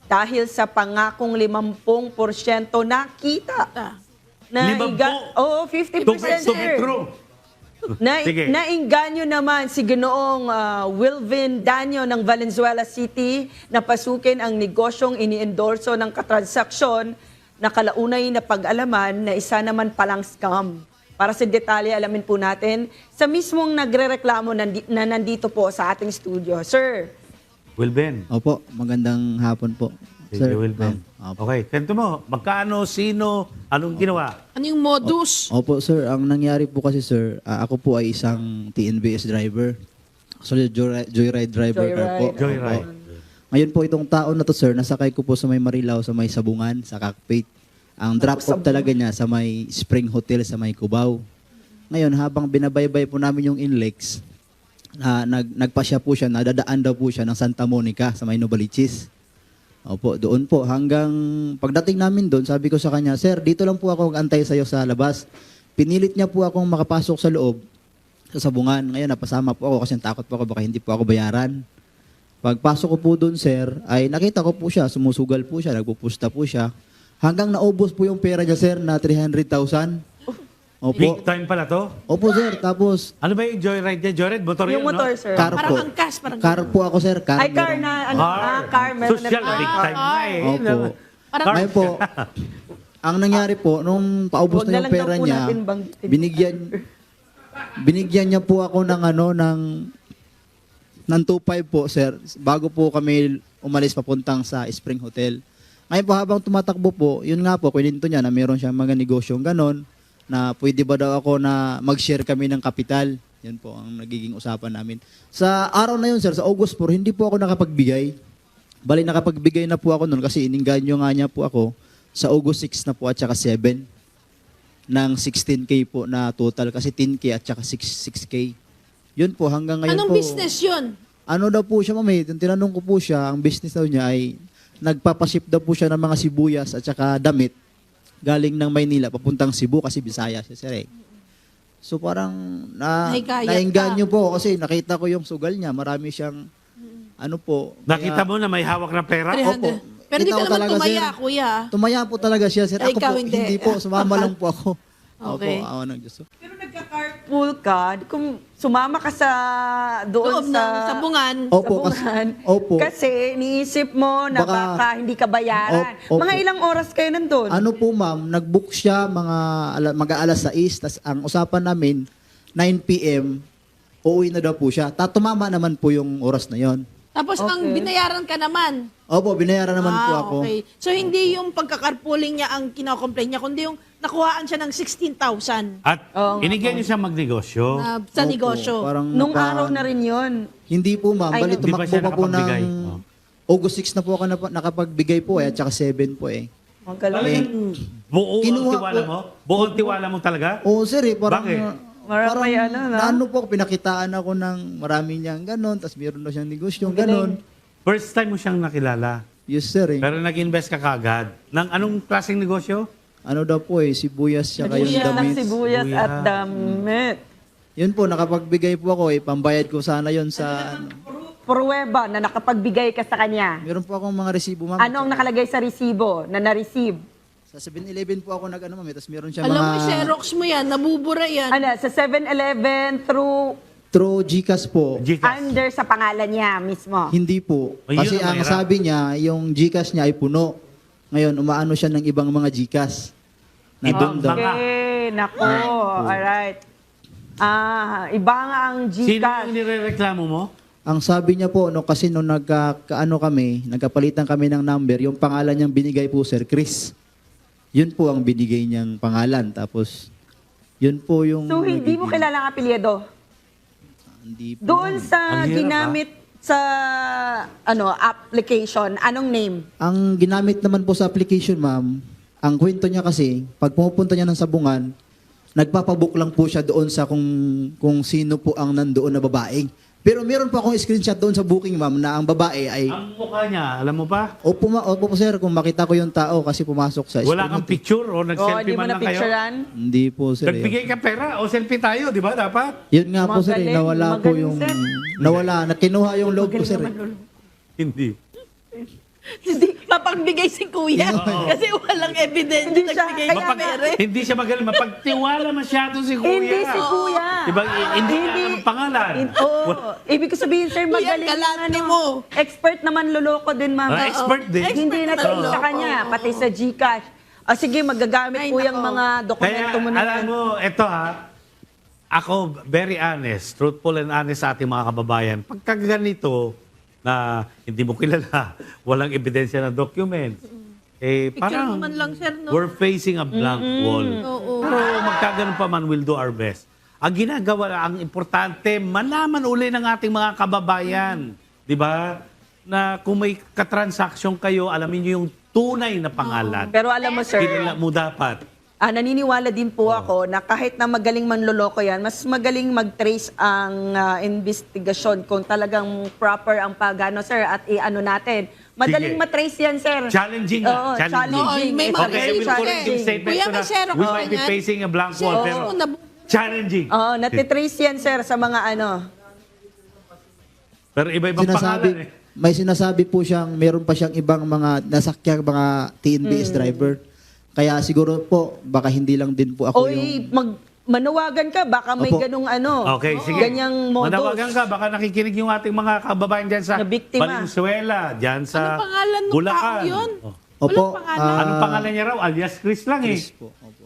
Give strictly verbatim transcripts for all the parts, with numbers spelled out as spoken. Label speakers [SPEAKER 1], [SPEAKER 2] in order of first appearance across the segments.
[SPEAKER 1] dahil sa pangakong limampung porsyento na kita. Na
[SPEAKER 2] Limampu?
[SPEAKER 1] Oo, fifty percent,
[SPEAKER 2] To be
[SPEAKER 1] sir.
[SPEAKER 2] true.
[SPEAKER 1] Na,
[SPEAKER 2] Sige.
[SPEAKER 1] nainganyo naman si Ginoong ah, Wilvin Danyo ng Valenzuela City na pasukin ang negosyong ini-endorso ng katransaksyon na kalaunay na pag-alaman na isa naman palang scam. Para sa detalye, alamin po natin sa mismong nagrereklamo nandi- na nandito po sa ating studio. Sir,
[SPEAKER 2] Wilben.
[SPEAKER 3] Opo, magandang hapon po.
[SPEAKER 2] Sige, Wilben.
[SPEAKER 3] ma'am. Opo.
[SPEAKER 2] Okay, kwento mo. Magkano, sino, anong ginawa?
[SPEAKER 4] Ano yung modus?
[SPEAKER 3] Opo, sir. Ang nangyari po kasi, sir, ah, ako po ay isang T N B S driver. Actually, joyride, joyride driver car po.
[SPEAKER 1] Joyride.
[SPEAKER 2] Joyride.
[SPEAKER 3] Opo. Ngayon po, itong taon na to, sir, nasakay ko po sa may Marilao, sa may Sabungan, sa cockpit. Ang drop-off talaga niya sa may Spring Hotel sa may Cubao. Ngayon, habang binabaybay po namin yung Inlex, na nag, nagpasya po siya, nadadaan daw po siya ng Santa Monica sa may Novaliches. Opo, doon po. Hanggang pagdating namin doon, sabi ko sa kanya, Sir, dito lang po ako mag-antay sa'yo sa labas. Pinilit niya po akong makapasok sa loob, sa Sabungan. Ngayon, napasama po ako kasi takot po ako, baka hindi po ako bayaran. Pagpasok ko po doon, sir, ay nakita ko po siya, sumusugal po siya, nagpupusta po siya. Hanggang naubos po yung pera niya, sir, na three hundred thousand.
[SPEAKER 2] Big
[SPEAKER 3] Opo.
[SPEAKER 2] time pala to.
[SPEAKER 3] Opo, sir. Tapos,
[SPEAKER 2] Ano ba yung joyride niya? Joyride? Motor
[SPEAKER 1] yung
[SPEAKER 2] yun,
[SPEAKER 1] motor,
[SPEAKER 2] no?
[SPEAKER 1] sir.
[SPEAKER 3] car
[SPEAKER 4] Parang
[SPEAKER 3] po.
[SPEAKER 4] angkas, parang
[SPEAKER 3] Car po ako, sir. Car,
[SPEAKER 1] Ay, car
[SPEAKER 3] meron-
[SPEAKER 1] na, ano,
[SPEAKER 2] Car.
[SPEAKER 1] ah, car, meron
[SPEAKER 2] Social,
[SPEAKER 1] na
[SPEAKER 2] big time na eh.
[SPEAKER 3] Opo.
[SPEAKER 4] Parang
[SPEAKER 3] Ngayon po, ang nangyari po, nung paubos
[SPEAKER 1] Huwag na
[SPEAKER 3] na yung
[SPEAKER 1] lang daw
[SPEAKER 3] pera
[SPEAKER 1] po
[SPEAKER 3] niya,
[SPEAKER 1] natin banggitin.
[SPEAKER 3] binigyan, binigyan niya po ako ng ano, ng, ng two five po, sir, bago po kami umalis papuntang sa Spring Hotel. Ngayon po, habang tumatakbo po, yun nga po, kininto niya na meron siyang mga negosyong ganon, na pwede ba daw ako na mag-share kami ng kapital. Yan po ang nagiging usapan namin. Sa araw na yun, sir, sa August four, hindi po ako nakapagbigay. Bali, nakapagbigay na po ako noon kasi ininganyo nga niya po ako sa August six na po at saka seven ng sixteen K po na total kasi ten K at saka six K. Yun po, hanggang ngayon
[SPEAKER 4] anong
[SPEAKER 3] po.
[SPEAKER 4] business yun?
[SPEAKER 3] Ano daw po siya, ma'am, eh, tinanong ko po siya, ang business daw niya ay nagpapaship daw po siya ng mga sibuyas at saka damit galing ng Maynila papuntang Cebu kasi Bisaya siya, sir, eh. So parang na,
[SPEAKER 4] Nahikayat
[SPEAKER 3] nainganyo po kasi nakita ko yung sugal niya. Marami siyang ano po.
[SPEAKER 2] Nakita
[SPEAKER 3] kaya-
[SPEAKER 2] mo na may hawak na pera?
[SPEAKER 4] three hundred. Pero di
[SPEAKER 3] Kita
[SPEAKER 4] ka
[SPEAKER 3] ko
[SPEAKER 4] naman
[SPEAKER 3] talaga,
[SPEAKER 4] tumaya,
[SPEAKER 3] sir.
[SPEAKER 4] kuya.
[SPEAKER 3] Tumaya po talaga siya, sir.
[SPEAKER 4] Ay,
[SPEAKER 3] Ako
[SPEAKER 4] ikaw
[SPEAKER 3] po,
[SPEAKER 4] hindi.
[SPEAKER 3] hindi po. Sumama lang po ako.
[SPEAKER 4] Okay.
[SPEAKER 3] Opo, awa ng Diyos.
[SPEAKER 1] Pero nagka-carpool ka, kung sumama ka sa doon
[SPEAKER 4] Loob
[SPEAKER 1] sa
[SPEAKER 4] ng sabungan.
[SPEAKER 3] Opo, kasi,
[SPEAKER 1] sabungan,
[SPEAKER 3] opo.
[SPEAKER 1] kasi niisip mo na
[SPEAKER 3] Baka-
[SPEAKER 1] baka, hindi ka bayaran.
[SPEAKER 3] Op- opo.
[SPEAKER 1] Mga ilang oras kayo nandun?
[SPEAKER 3] Ano po, ma'am, nag-book siya mga ala- mag-aalas sais, tas ang usapan namin, nine P M, uuwi na daw po siya. Tatumama naman po yung oras na yon.
[SPEAKER 4] Tapos ang
[SPEAKER 1] Okay.
[SPEAKER 4] binayaran ka naman.
[SPEAKER 3] Opo, binayaran naman po
[SPEAKER 4] Ah,
[SPEAKER 3] ako.
[SPEAKER 4] okay. So hindi yung pagkakarpooling niya ang kino-complain niya, kundi yung nakuhaan siya ng sixteen thousand
[SPEAKER 2] At
[SPEAKER 1] Oo nga
[SPEAKER 2] inigyan niyo siya magnegosyo.
[SPEAKER 4] na sa
[SPEAKER 3] Opo,
[SPEAKER 4] negosyo.
[SPEAKER 3] Parang
[SPEAKER 1] Nung
[SPEAKER 3] naka-
[SPEAKER 1] araw na rin yun.
[SPEAKER 3] Hindi po, ma'am.
[SPEAKER 1] Ay,
[SPEAKER 3] Bali,
[SPEAKER 1] no.
[SPEAKER 2] Di ba
[SPEAKER 3] tumakbo
[SPEAKER 2] siya
[SPEAKER 3] pa po ng
[SPEAKER 2] nakapagbigay? Oh.
[SPEAKER 3] August six na po ako nap- nakapagbigay po eh, at saka seven po eh.
[SPEAKER 1] Magaling.
[SPEAKER 2] Buo ang
[SPEAKER 3] Kinuha
[SPEAKER 2] tiwala
[SPEAKER 3] ko-
[SPEAKER 2] mo? Buo ang tiwala mo talaga?
[SPEAKER 3] Oo, sir eh. Parang,
[SPEAKER 2] Bakit?
[SPEAKER 1] Marami
[SPEAKER 3] parang
[SPEAKER 1] ano, no?
[SPEAKER 3] naano po, pinakitaan ako ng marami niyang ganon, tapos meron na siyang negosyo,
[SPEAKER 1] Magaling.
[SPEAKER 3] ganon.
[SPEAKER 2] First time mo siyang nakilala.
[SPEAKER 3] Yes, sir eh.
[SPEAKER 2] Pero nag-invest ka kagad. Nang anong klaseng negosyo?
[SPEAKER 3] Ano daw po eh, sibuyas siya kayong
[SPEAKER 1] Sibuyas ng
[SPEAKER 3] damit.
[SPEAKER 1] sibuyas
[SPEAKER 2] Sibuyas.
[SPEAKER 1] at damit.
[SPEAKER 3] Yun po, nakapagbigay po ako eh. Pambayad ko sana yon sa ano.
[SPEAKER 1] Pruweba na nakapagbigay ka sa kanya.
[SPEAKER 3] Meron po akong mga resibo, ma'am.
[SPEAKER 1] Ano ang nakalagay sa resibo na na-receive?
[SPEAKER 3] Sa seven eleven po ako nag-ano, ma'am. eh, Tapos meron siya
[SPEAKER 4] Alam
[SPEAKER 3] mga...
[SPEAKER 4] mo, Xerox mo yan, nabubura yan.
[SPEAKER 1] Ano, sa seven eleven through
[SPEAKER 3] Through Gcash po.
[SPEAKER 2] Gcash.
[SPEAKER 1] under sa pangalan niya mismo.
[SPEAKER 3] Hindi po.
[SPEAKER 2] Ayun
[SPEAKER 3] Kasi
[SPEAKER 2] ang
[SPEAKER 3] ang
[SPEAKER 2] mahirap.
[SPEAKER 3] sabi niya, yung Gcash niya ay puno. Ngayon, umaano siya ng ibang mga Gcash. Na doon daw.
[SPEAKER 2] Okay.
[SPEAKER 1] Okay, nako. Alright. Ah, iba nga ang
[SPEAKER 2] Sino
[SPEAKER 1] Gcash.
[SPEAKER 2] yung nirereklamo mo?
[SPEAKER 3] Ang sabi niya po, no, kasi nung nagka, kaano kami, nagkapalitan kami ng number, yung pangalan niyang binigay po, Sir Chris. Yun po ang binigay niyang pangalan. Tapos, yun po yung...
[SPEAKER 1] So, hindi mo
[SPEAKER 3] nagiging-
[SPEAKER 1] kilala ang apelyido?
[SPEAKER 3] Hindi po.
[SPEAKER 1] Doon sa
[SPEAKER 2] Ang hirap,
[SPEAKER 1] ginamit sa ano application, anong name?
[SPEAKER 3] Ang ginamit naman po sa application, ma'am, ang kwento niya kasi, pag pumupunta niya ng sabungan, nagpapabook lang po siya doon sa kung, kung sino po ang nandoon na babaeng. Pero meron po akong screenshot doon sa booking, ma'am, na ang babae ay...
[SPEAKER 2] Ang mukha niya, alam mo ba?
[SPEAKER 3] Opo, ma- opo po, sir, kung makita ko yung tao kasi pumasok sa
[SPEAKER 2] Wala kang
[SPEAKER 3] screen.
[SPEAKER 2] picture o
[SPEAKER 1] O,
[SPEAKER 2] nag-selfie
[SPEAKER 1] hindi mo
[SPEAKER 2] man
[SPEAKER 1] na
[SPEAKER 2] lang kayo?
[SPEAKER 1] picturean?
[SPEAKER 3] Hindi po, sir. eh.
[SPEAKER 2] Nagbigay ka pera o selfie tayo, di ba? Dapat?
[SPEAKER 3] Yun nga po, sir, eh,
[SPEAKER 1] Magaling,
[SPEAKER 3] nawala po
[SPEAKER 1] magaling,
[SPEAKER 3] yung...
[SPEAKER 1] sir.
[SPEAKER 3] Nawala, nakinuha yung loob ko,
[SPEAKER 1] Magaling
[SPEAKER 3] sir.
[SPEAKER 1] naman,
[SPEAKER 3] eh.
[SPEAKER 1] Lolo.
[SPEAKER 2] Hindi.
[SPEAKER 1] Hindi,
[SPEAKER 4] mapagbigay si kuya.
[SPEAKER 2] Oo.
[SPEAKER 4] Kasi walang evidence
[SPEAKER 1] Hindi
[SPEAKER 4] na
[SPEAKER 1] siya-
[SPEAKER 4] nagbigay
[SPEAKER 1] kaya
[SPEAKER 4] ng
[SPEAKER 2] Mapag,
[SPEAKER 4] pera.
[SPEAKER 2] hindi siya magaling. Mapagtiwala masyado si kuya.
[SPEAKER 1] Hindi si kuya.
[SPEAKER 2] Diba? I- Hindi niya ang pangalan.
[SPEAKER 1] In- Oo. Ibig ko sabihin, sir,
[SPEAKER 4] Kuya,
[SPEAKER 1] magaling
[SPEAKER 4] galante
[SPEAKER 1] ano,
[SPEAKER 4] mo.
[SPEAKER 1] expert naman luloko din, ma'am.
[SPEAKER 2] Ah, expert din.
[SPEAKER 1] Hindi na
[SPEAKER 4] Expert naman
[SPEAKER 1] sa kanya,
[SPEAKER 4] luloko.
[SPEAKER 1] pati sa GCash. Ah, sige, magagamit
[SPEAKER 4] Ay,
[SPEAKER 1] po yung
[SPEAKER 4] nako.
[SPEAKER 1] mga
[SPEAKER 2] Kaya,
[SPEAKER 1] dokumento mo na
[SPEAKER 2] alam
[SPEAKER 1] yan.
[SPEAKER 2] mo, ito ha, ako, very honest, truthful and honest sa ating mga kababayan. Pagka ganito, na hindi mo kilala, walang ebidensya na documents, eh,
[SPEAKER 4] Picture
[SPEAKER 2] parang
[SPEAKER 4] mo man lang, sir, no?
[SPEAKER 2] we're facing a blank wall.
[SPEAKER 4] Oo.
[SPEAKER 2] Pero magkaganon pa man, we'll do our best. Ang ginagawa, ang importante, malaman uli ng ating mga kababayan, di ba? Na kung may katransaksyon kayo, alamin nyo yung tunay na pangalan.
[SPEAKER 1] Pero alam mo, sir,
[SPEAKER 2] Kilala mo dapat.
[SPEAKER 1] ah, naniniwala din po ako na kahit na magaling manloloko yan, mas magaling mag-trace ang ah, investigasyon kung talagang proper ang pagano, sir, at i-ano natin. Madaling
[SPEAKER 2] Sige.
[SPEAKER 1] matrace yan, sir.
[SPEAKER 2] Challenging nga,
[SPEAKER 1] Oo,
[SPEAKER 2] challenging.
[SPEAKER 1] challenging.
[SPEAKER 4] Oo, may
[SPEAKER 1] Ito,
[SPEAKER 4] mga
[SPEAKER 2] Okay, I will
[SPEAKER 4] Challenging.
[SPEAKER 2] correct yung statement
[SPEAKER 4] Kuya,
[SPEAKER 2] ko na
[SPEAKER 4] may share
[SPEAKER 2] we
[SPEAKER 4] ako
[SPEAKER 2] might be
[SPEAKER 4] ganyan.
[SPEAKER 2] facing a blank wall,
[SPEAKER 4] Oo,
[SPEAKER 2] pero
[SPEAKER 4] nabu-
[SPEAKER 2] challenging.
[SPEAKER 1] Oo, natitrace yan, sir, sa mga ano.
[SPEAKER 2] Pero iba-ibang
[SPEAKER 3] Sinasabi,
[SPEAKER 2] pangalan eh.
[SPEAKER 3] may sinasabi po siyang meron pa siyang ibang mga nasakyang mga T N B S driver. Kaya siguro po, baka hindi lang din po ako
[SPEAKER 1] Oy,
[SPEAKER 3] yung...
[SPEAKER 1] mag manawagan ka, baka may
[SPEAKER 3] Opo.
[SPEAKER 1] ganung ano.
[SPEAKER 2] Okay, sige.
[SPEAKER 1] Ganyang modus.
[SPEAKER 2] Manawagan ka, baka nakikinig yung ating mga kababayan dyan sa
[SPEAKER 1] Na biktima.
[SPEAKER 2] Valenzuela, dyan sa
[SPEAKER 4] Anong pangalan ng
[SPEAKER 2] Bulacan.
[SPEAKER 4] tao yun?
[SPEAKER 2] Oh.
[SPEAKER 3] Opo,
[SPEAKER 4] Walang pangalan.
[SPEAKER 3] ah,
[SPEAKER 2] Anong pangalan niya raw? Alias Chris lang eh.
[SPEAKER 3] Chris po, opo.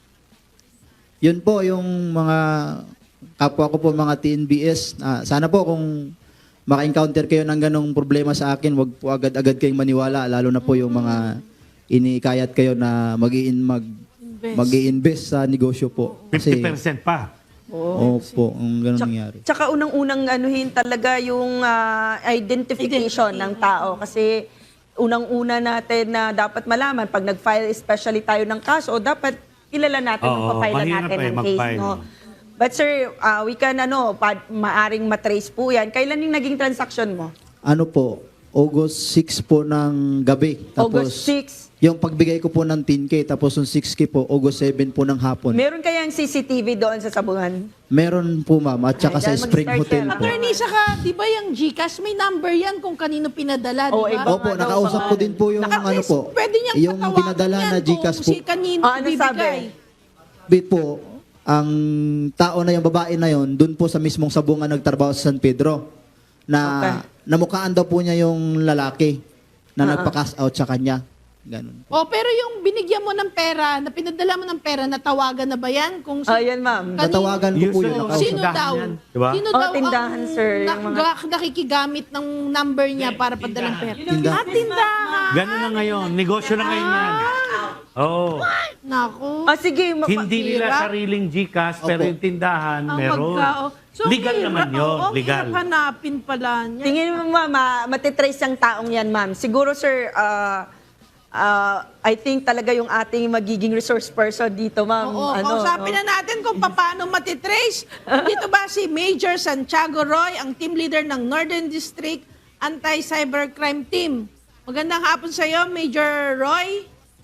[SPEAKER 3] Yun po yung mga kapwa ko po mga T N B S. Ah, sana po kung maka-encounter kayo ng ganong problema sa akin, wag po agad-agad kayong maniwala, lalo na po yung mga iniikayat kayo na mag-i-in mag
[SPEAKER 4] Invest.
[SPEAKER 3] mag-i-invest sa negosyo po.
[SPEAKER 2] fifty percent pa.
[SPEAKER 3] Opo, ang ganun
[SPEAKER 1] Tsaka,
[SPEAKER 3] nangyari.
[SPEAKER 1] tsaka unang-unang anuhin talaga yung ah, identification ng tao kasi unang-una natin na dapat malaman pag nag-file especially tayo ng kaso, dapat kilala natin yung
[SPEAKER 2] Oo,
[SPEAKER 1] papailan
[SPEAKER 2] mahirap
[SPEAKER 1] natin
[SPEAKER 2] eh,
[SPEAKER 1] ng case,
[SPEAKER 2] mag-file.
[SPEAKER 1] no? But sir, ah, we can ano, pa, maaring matrace po yan. Kailan yung naging transaction mo?
[SPEAKER 3] Ano po, August six po ng gabi. Tapos,
[SPEAKER 1] August six.
[SPEAKER 3] yung pagbigay ko po ng ten K, tapos yung six K po, August seven po ng hapon.
[SPEAKER 1] Meron kayang C C T V doon sa Sabungan?
[SPEAKER 3] Meron po ma'am, at saka
[SPEAKER 1] Ay,
[SPEAKER 3] sa
[SPEAKER 1] dahil
[SPEAKER 3] Spring
[SPEAKER 1] mag-start
[SPEAKER 3] Hotel
[SPEAKER 1] yan.
[SPEAKER 3] po.
[SPEAKER 4] Attorney, saka, di ba yung GCash, may number yan kung kanino pinadala, di
[SPEAKER 1] Oo,
[SPEAKER 4] ba?
[SPEAKER 1] iba
[SPEAKER 3] Opo,
[SPEAKER 1] nga daw,
[SPEAKER 3] nakausap ko
[SPEAKER 1] pangalan.
[SPEAKER 3] din po yung
[SPEAKER 4] Naka-
[SPEAKER 3] ano po,
[SPEAKER 4] Pwede niyang
[SPEAKER 3] yung
[SPEAKER 4] patawagan
[SPEAKER 3] pinadala
[SPEAKER 4] yan
[SPEAKER 3] na Gcash
[SPEAKER 4] kung
[SPEAKER 3] po.
[SPEAKER 4] si kanino
[SPEAKER 1] Ah, ano
[SPEAKER 4] bibigay.
[SPEAKER 3] Bit po, ang tao na yung babae na yon, dun po sa mismong sabungan nagtrabaho sa San Pedro, na
[SPEAKER 1] Okay.
[SPEAKER 3] namukhaan daw po niya yung lalaki na
[SPEAKER 1] Ah,
[SPEAKER 3] nagpa-cash out sa kanya. Ganun po.
[SPEAKER 4] Oh, pero yung binigyan mo ng pera, na pinadala mo ng pera, natawagan na ba yan? Kung si-
[SPEAKER 1] Ah, yan ma'am.
[SPEAKER 4] Kanino-
[SPEAKER 3] Natawagan ko po
[SPEAKER 2] Usually,
[SPEAKER 3] yun.
[SPEAKER 2] oh,
[SPEAKER 3] nakausap.
[SPEAKER 4] Sino
[SPEAKER 2] tindahan
[SPEAKER 4] daw?
[SPEAKER 2] yan, di ba?
[SPEAKER 4] Sino
[SPEAKER 1] Oh,
[SPEAKER 4] daw
[SPEAKER 1] tindahan,
[SPEAKER 4] ang
[SPEAKER 1] sir, yung
[SPEAKER 4] nak-
[SPEAKER 1] mga-
[SPEAKER 4] ga- nakikigamit ng number niya para padala ng pera?
[SPEAKER 3] Tindahan.
[SPEAKER 4] Ah, tindahan.
[SPEAKER 2] Ganun na ngayon. Negosyo na ngayon yan. Oo.
[SPEAKER 4] Naku.
[SPEAKER 1] Ah, sige. ma-
[SPEAKER 2] Hindi nila
[SPEAKER 4] Hirap.
[SPEAKER 2] sariling Gcash, pero
[SPEAKER 3] Opo.
[SPEAKER 2] yung tindahan,
[SPEAKER 4] Ang
[SPEAKER 2] meron.
[SPEAKER 4] magkao. So,
[SPEAKER 2] legal
[SPEAKER 4] hirap,
[SPEAKER 2] naman yun.
[SPEAKER 4] oo,
[SPEAKER 2] legal.
[SPEAKER 4] hirap hanapin pala niya.
[SPEAKER 1] Tingin mo, ma'am, ah, matitrace ang taong yan, ma'am. Siguro, sir, ah, ah, I think talaga yung ating magiging resource person dito, ma'am.
[SPEAKER 4] Oo,
[SPEAKER 1] ano,
[SPEAKER 4] kausapin
[SPEAKER 1] no?
[SPEAKER 4] na natin kung paano matitrace. Dito ba si Major Santiago Roy, ang team leader ng Northern District Anti-Cybercrime Team. Magandang hapon sa iyo, Major Roy.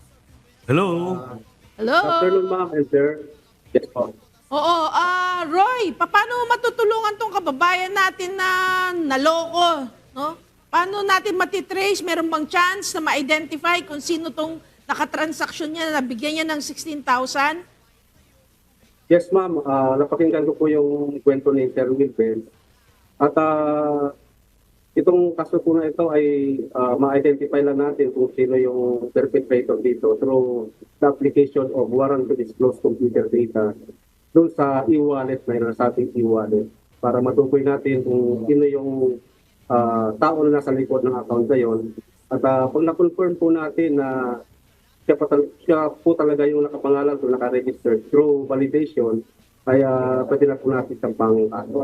[SPEAKER 2] Hello?
[SPEAKER 4] Hello.
[SPEAKER 5] Afternoon, ma'am and sir. Yes po.
[SPEAKER 4] Oo, ah Roy, paano matutulungan tong kababayan natin na naloko, no? Paano natin matitrace? Meron bang chance na ma-identify kung sino tong nakatransaksyon niya na nabigyan niya ng sixteen thousand?
[SPEAKER 5] Yes, ma'am. Ah, napakinggan ko po yung kwento ni Sir Wilben. At ah, itong kaso po na ito ay ah, ma-identify lang natin kung sino yung perpetrator dito through the application of warrant to disclose computer data doon sa e-wallet na yun, sa ating e-wallet para matukoy natin kung sino yung ah, tao na nasa likod ng account na yun. At ah, pag na-confirm po natin na siya, pa, tal- siya po talaga yung nakapangalan o nakaregister through validation, kaya pwede na po natin siyang pang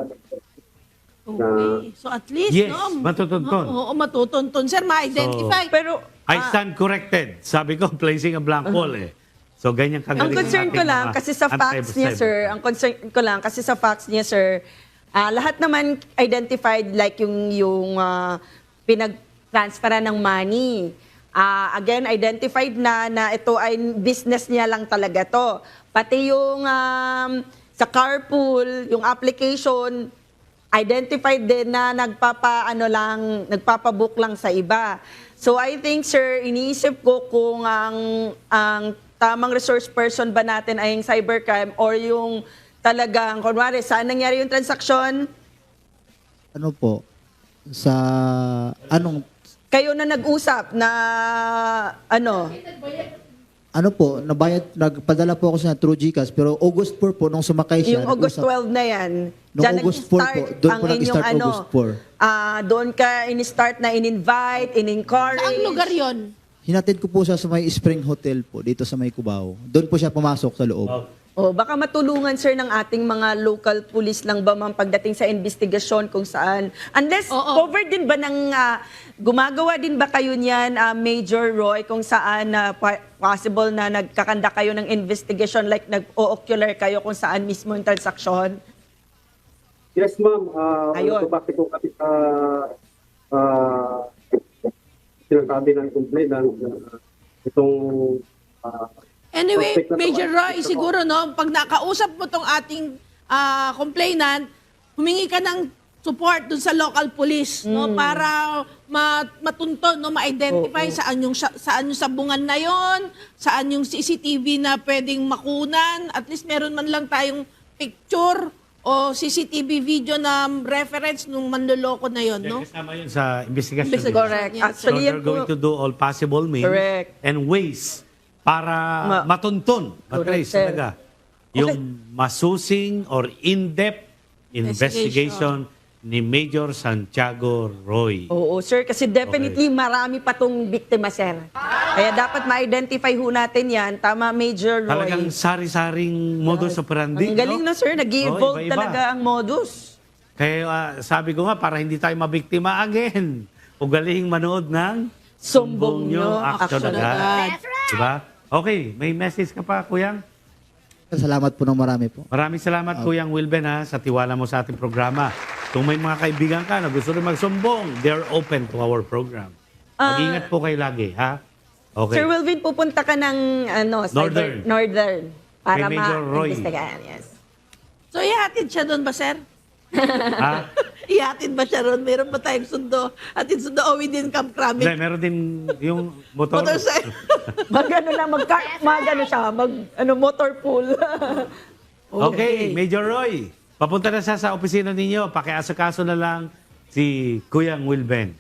[SPEAKER 4] Okay. So at least,
[SPEAKER 2] Yes,
[SPEAKER 4] no?
[SPEAKER 2] matutuntun.
[SPEAKER 4] Oo, matutuntun. Sir, ma-identify.
[SPEAKER 1] Pero,
[SPEAKER 2] I
[SPEAKER 1] ah,
[SPEAKER 2] stand corrected. Sabi ko, placing a blank wall eh. So, ganyan kagaling
[SPEAKER 1] ang concern
[SPEAKER 2] ating
[SPEAKER 1] ko lang,
[SPEAKER 2] mga
[SPEAKER 1] kasi sa facts niya,
[SPEAKER 2] anti-cyber.
[SPEAKER 1] sir, ang concern ko lang, kasi sa facts niya, sir, ah, lahat naman identified like yung, yung ah, pinag-transferan ng money. Ah, again, identified na na ito ay business niya lang talaga to. Pati yung um, sa carpool, yung application, identified din na nagpapa ano lang, nagpapabook lang sa iba. So I think sir, iniisip ko kung ang ang tamang resource person ba natin ay yung cybercrime or yung talagang kunwari saan nangyari yung transaksyon?
[SPEAKER 3] Ano po? Sa anong
[SPEAKER 1] Kayo na nag-usap na ano?
[SPEAKER 3] ano po, nabayad, nagpadala po ako sa through GCash, pero August four po, nung sumakay siya,
[SPEAKER 1] Yung August
[SPEAKER 3] nag-usap-
[SPEAKER 1] twelve na yan.
[SPEAKER 3] Noong
[SPEAKER 1] Diyan
[SPEAKER 3] August four
[SPEAKER 1] nag-start
[SPEAKER 3] po, doon
[SPEAKER 1] ang
[SPEAKER 3] po nag-start
[SPEAKER 1] inyong ano,
[SPEAKER 3] August four.
[SPEAKER 1] ah, doon ka in-start na in-invite, in-encourage.
[SPEAKER 4] Saang lugar yon?
[SPEAKER 3] Hinatid ko po siya sa may Spring Hotel po, dito sa may Cubao. Doon po siya pumasok sa loob.
[SPEAKER 1] O, baka matulungan sir ng ating mga local police lang ba ma'am pagdating sa investigasyon kung saan. Unless
[SPEAKER 4] Oo.
[SPEAKER 1] covered din ba ng, ah, gumagawa din ba kayo niyan, ah, Major Roy, kung saan na possible na nagkakanda kayo ng investigation like nag-o-ocular kayo kung saan mismo yung transaksyon?
[SPEAKER 5] Yes, ma'am. Uh,
[SPEAKER 1] Ayun.
[SPEAKER 5] Bakit po kasi sa uh, sinasabi ng complainant uh, itong uh,
[SPEAKER 4] Anyway,
[SPEAKER 5] suspect na to
[SPEAKER 4] Major
[SPEAKER 5] ay-
[SPEAKER 4] Roy, siguro no, pag nakausap mo tong ating ah, complainant, humingi ka ng support dun sa local police no para ma- matunto no ma-identify saan yung sa- saan yung sabungan na yon, saan yung C C T V na pwedeng makunan, at least meron man lang tayong picture o C C T V video na reference nung manloloko na yon, no?
[SPEAKER 2] Kasama yun sa investigation.
[SPEAKER 4] Investigation.
[SPEAKER 2] nila.
[SPEAKER 1] Correct.
[SPEAKER 4] Yes.
[SPEAKER 1] Actually,
[SPEAKER 2] So
[SPEAKER 1] yan
[SPEAKER 2] they're
[SPEAKER 1] po,
[SPEAKER 2] going to do all possible means
[SPEAKER 1] Correct.
[SPEAKER 2] and ways para
[SPEAKER 1] Ma-
[SPEAKER 2] matuntun, matrace
[SPEAKER 1] sir.
[SPEAKER 2] talaga, yung masusing or in-depth investigation ni Major Santiago Roy.
[SPEAKER 1] oo, sir, kasi definitely marami pa tong biktima, sir. Kaya dapat ma-identify ho natin yan. Tama, Major Roy.
[SPEAKER 2] Talagang sari-saring modus operandi.
[SPEAKER 1] Ang galing
[SPEAKER 2] no?
[SPEAKER 1] no, sir.
[SPEAKER 2] Oh,
[SPEAKER 1] Nag-evolve
[SPEAKER 2] iba-iba.
[SPEAKER 1] talaga ang modus.
[SPEAKER 2] Kaya ah, sabi ko nga, para hindi tayo mabiktima again, ugalihing manood ng
[SPEAKER 1] Sumbong nyo,
[SPEAKER 2] action
[SPEAKER 1] action
[SPEAKER 2] agad. Diba? Okay, may message ka pa, Kuyang?
[SPEAKER 3] Salamat po ng marami po.
[SPEAKER 2] Maraming salamat, Kuyang Wilben, ha, sa tiwala mo sa ating programa. Kung may mga kaibigan ka na gusto rin magsumbong, they're open to our program. Mag-ingat po kayo lagi, ha? Okay.
[SPEAKER 1] Sir Wilvin, pupunta ka ng ano, cyber-
[SPEAKER 2] Northern.
[SPEAKER 1] Northern para
[SPEAKER 2] Kay Major Roy.
[SPEAKER 1] ma-investigahan. Yes.
[SPEAKER 4] So ihatid siya doon ba, sir?
[SPEAKER 2] Ha?
[SPEAKER 4] Ihatid ba siya doon? Meron ba tayong sundo? Hatid sundo o within Camp
[SPEAKER 2] Hindi,
[SPEAKER 4] Kramik?
[SPEAKER 2] meron din yung motor.
[SPEAKER 4] Motorcycle.
[SPEAKER 1] Mag ano lang, mag, mag ano siya, mag ano, motor pool.
[SPEAKER 2] Okay, Major Roy. Papunta na siya sa opisina ninyo. Pakiasakaso na lang si Kuyang Wilben.